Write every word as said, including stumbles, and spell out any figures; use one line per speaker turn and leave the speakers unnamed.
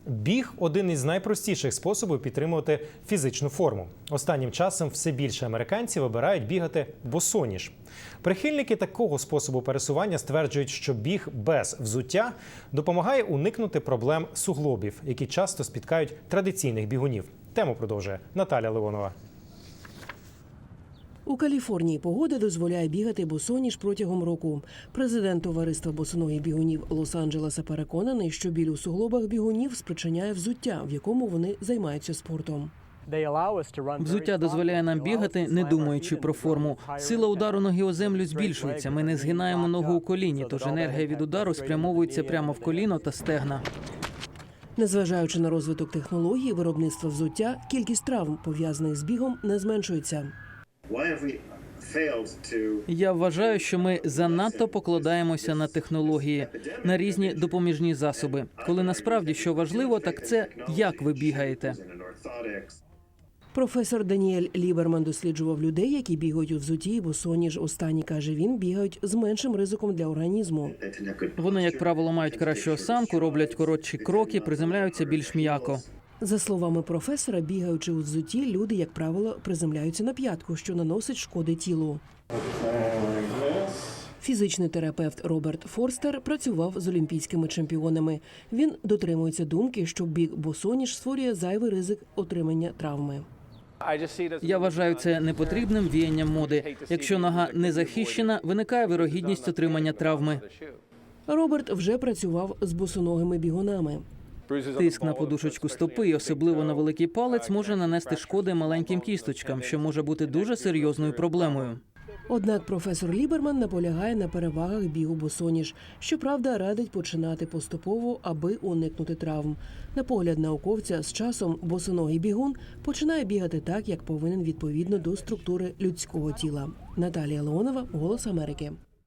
Біг – один із найпростіших способів підтримувати фізичну форму. Останнім часом все більше американців обирають бігати босоніж. Прихильники такого способу пересування стверджують, що біг без взуття допомагає уникнути проблем суглобів, які часто спіткають традиційних бігунів. Тему продовжує Наталя Леонова.
У Каліфорнії погода дозволяє бігати босоніж протягом року. Президент товариства босоногих бігунів Лос-Анджелеса переконаний, що біль у суглобах бігунів спричиняє взуття, в якому вони займаються спортом.
Взуття дозволяє нам бігати, не думаючи про форму. Сила удару ноги о землю збільшується. Ми не згинаємо ногу у коліні, тож енергія від удару спрямовується прямо в коліно та стегна.
Незважаючи на розвиток технологій виробництва взуття, кількість травм, пов'язаних з бігом, не зменшується.
Я вважаю, що ми занадто покладаємося на технології, на різні допоміжні засоби. Коли насправді що важливо, так це як ви бігаєте.
Професор Даніель Ліберман досліджував людей, які бігають у взутті і босоніж. Останні, каже він, бігають з меншим ризиком для організму.
Вони, як правило, мають кращу осанку, роблять коротші кроки, приземляються більш м'яко.
За словами професора, бігаючи у взутті, люди, як правило, приземляються на п'ятку, що наносить шкоди тілу. Фізичний терапевт Роберт Форстер працював з олімпійськими чемпіонами. Він дотримується думки, що біг босоніж створює зайвий ризик отримання травми.
Я вважаю це непотрібним віянням моди. Якщо нога не захищена, виникає вирогідність отримання травми.
Роберт вже працював з босоногими бігунами.
Тиск на подушечку стопи, і особливо на великий палець, може нанести шкоди маленьким кісточкам, що може бути дуже серйозною проблемою.
Однак професор Ліберман наполягає на перевагах бігу босоніж. Щоправда, радить починати поступово, аби уникнути травм. На погляд науковця, з часом босоногий бігун починає бігати так, як повинен відповідно до структури людського тіла. Наталія Леонова, «Голос Америки».